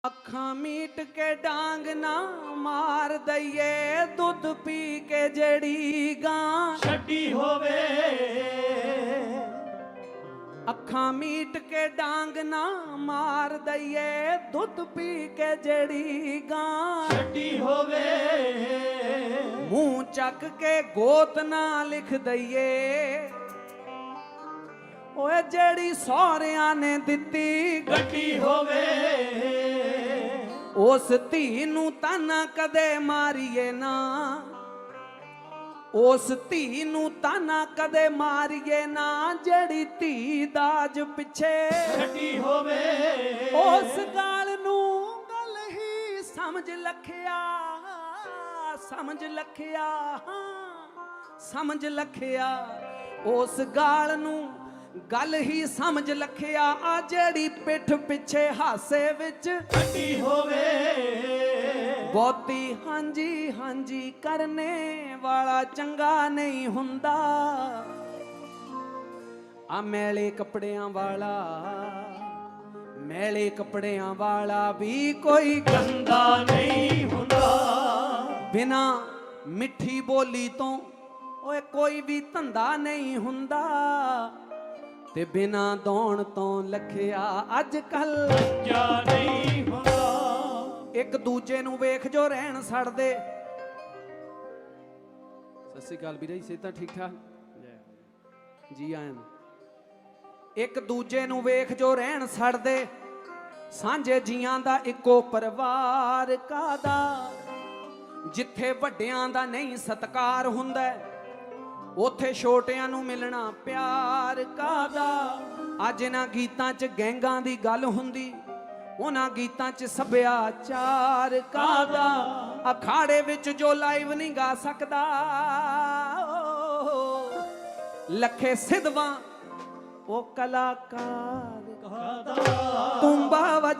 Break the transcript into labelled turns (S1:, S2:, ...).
S1: ਅੱਖਾਂ ਮੀਟ ਕੇ ਡਾਂਗ ਨਾ ਮਾਰ ਦਈਏ, ਦੁੱਧ ਪੀ ਕੇ ਜਿਹੜੀ ਗਾਂ
S2: ਛੱਡੀ ਹੋਵੇ।
S1: ਅੱਖਾਂ ਮੀਟ ਕੇ ਡਾਂਗ ਨਾ ਮਾਰ ਦਈਏ, ਦੁੱਧ ਪੀ ਕੇ ਜਿਹੜੀ ਗਾਂ
S2: ਛੱਡੀ ਹੋਵੇ।
S1: ਮੂੰਹ ਚੱਕ ਕੇ ਗੋਤ ਨਾ ਲਿਖ ਦਈਏ, ਓਏ ਜਿਹੜੀ ਸਹੁਰਿਆਂ ਨੇ ਦਿੱਤੀ
S2: ਗੱਡੀ ਹੋਵੇ।
S1: ਉਸ ਧੀ ਨੂੰ ਤਾਂ ਨਾ ਕਦੇ ਮਾਰੀਏ ਨਾ, ਉਸ ਧੀ ਨੂੰ ਤਾਂ ਨਾ ਕਦੇ ਮਾਰੀਏ ਨਾ, ਜਿਹੜੀ ਧੀ ਦਾਜ ਪਿੱਛੇ
S2: ਛੱਡੀ ਹੋਵੇ।
S1: ਉਸ ਗਾਲ ਨੂੰ ਗੱਲ ਹੀ ਸਮਝ ਲਖਿਆ, ਸਮਝ ਲਖਿਆ, ਸਮਝ ਲਖਿਆ। ਉਸ ਗਾਲ ਨੂੰ ਗੱਲ ਹੀ ਸਮਝ ਲਖਿਆ, ਆ ਜਿਹੜੀ ਪਿੱਠ ਪਿੱਛੇ ਹਾਸੇ ਵਿੱਚ
S2: ਛੱਡੀ ਹੋਵੇ।
S1: ਬਹੁਤੀ ਹਾਂਜੀ ਹਾਂਜੀ ਕਰਨੇ ਵਾਲਾ ਚੰਗਾ ਨਹੀਂ ਹੁੰਦਾ, ਆ ਮੈਲੇ ਕੱਪੜਿਆਂ ਵਾਲਾ, ਮੈਲੇ ਕੱਪੜਿਆਂ ਵਾਲਾ ਵੀ ਕੋਈ
S2: ਗੰਦਾ ਨਹੀਂ ਹੁੰਦਾ।
S1: ਬਿਨਾ ਮਿੱਠੀ ਬੋਲੀ ਤੋਂ ਓਏ ਕੋਈ ਵੀ ਧੰਦਾ ਨਹੀਂ ਹੁੰਦਾ, ਤੇ ਬਿਨਾ ਦੌਣ ਤੋਂ ਲਖਿਆ ਅੱਜ ਕੱਲ
S2: ਕਿਆ ਨਹੀਂ ਹੁੰਦਾ।
S1: ਇੱਕ ਦੂਜੇ ਨੂੰ ਵੇਖ ਜੋ ਰਹਿਣ ਛੱਡਦੇ। ਸਤਿ ਸ੍ਰੀ ਅਕਾਲ ਵੀਰੇ, ਸਿਹਤਾਂ ਠੀਕ ਠਾਕ ਜੀ ਆਇਆਂ ਨੂੰ। ਇੱਕ ਦੂਜੇ ਨੂੰ ਵੇਖ ਜੋ ਰਹਿਣ ਛੱਡਦੇ, ਸਾਂਝੇ ਜੀਆਂ ਦਾ ਇੱਕੋ ਪਰਿਵਾਰ ਕਾਦਾ, ਜਿੱਥੇ ਵੱਡਿਆਂ ਦਾ ਨਹੀਂ ਸਤਿਕਾਰ ਹੁੰਦਾ, ਉੱਥੇ ਛੋਟਿਆਂ ਨੂੰ ਮਿਲਣਾ ਪਿਆਰ ਕਾਦਾ। ਅੱਜ ਇਹਨਾਂ ਗੀਤਾਂ 'ਚ ਗੈਂਗਾਂ ਦੀ ਗੱਲ ਹੁੰਦੀ, ਉਹਨਾਂ ਗੀਤਾਂ 'ਚ ਸੱਭਿਆਚਾਰ ਕਾਦਾ। ਅਖਾੜੇ ਵਿੱਚ ਜੋ ਲਾਈਵ ਨਹੀਂ ਗਾ ਸਕਦਾ, ਲੱਖੇ ਸਿੱਧਵਾਂ ਉਹ ਕਲਾਕਾਰ ਕਾਦਾ। ਤੁੰਬਾ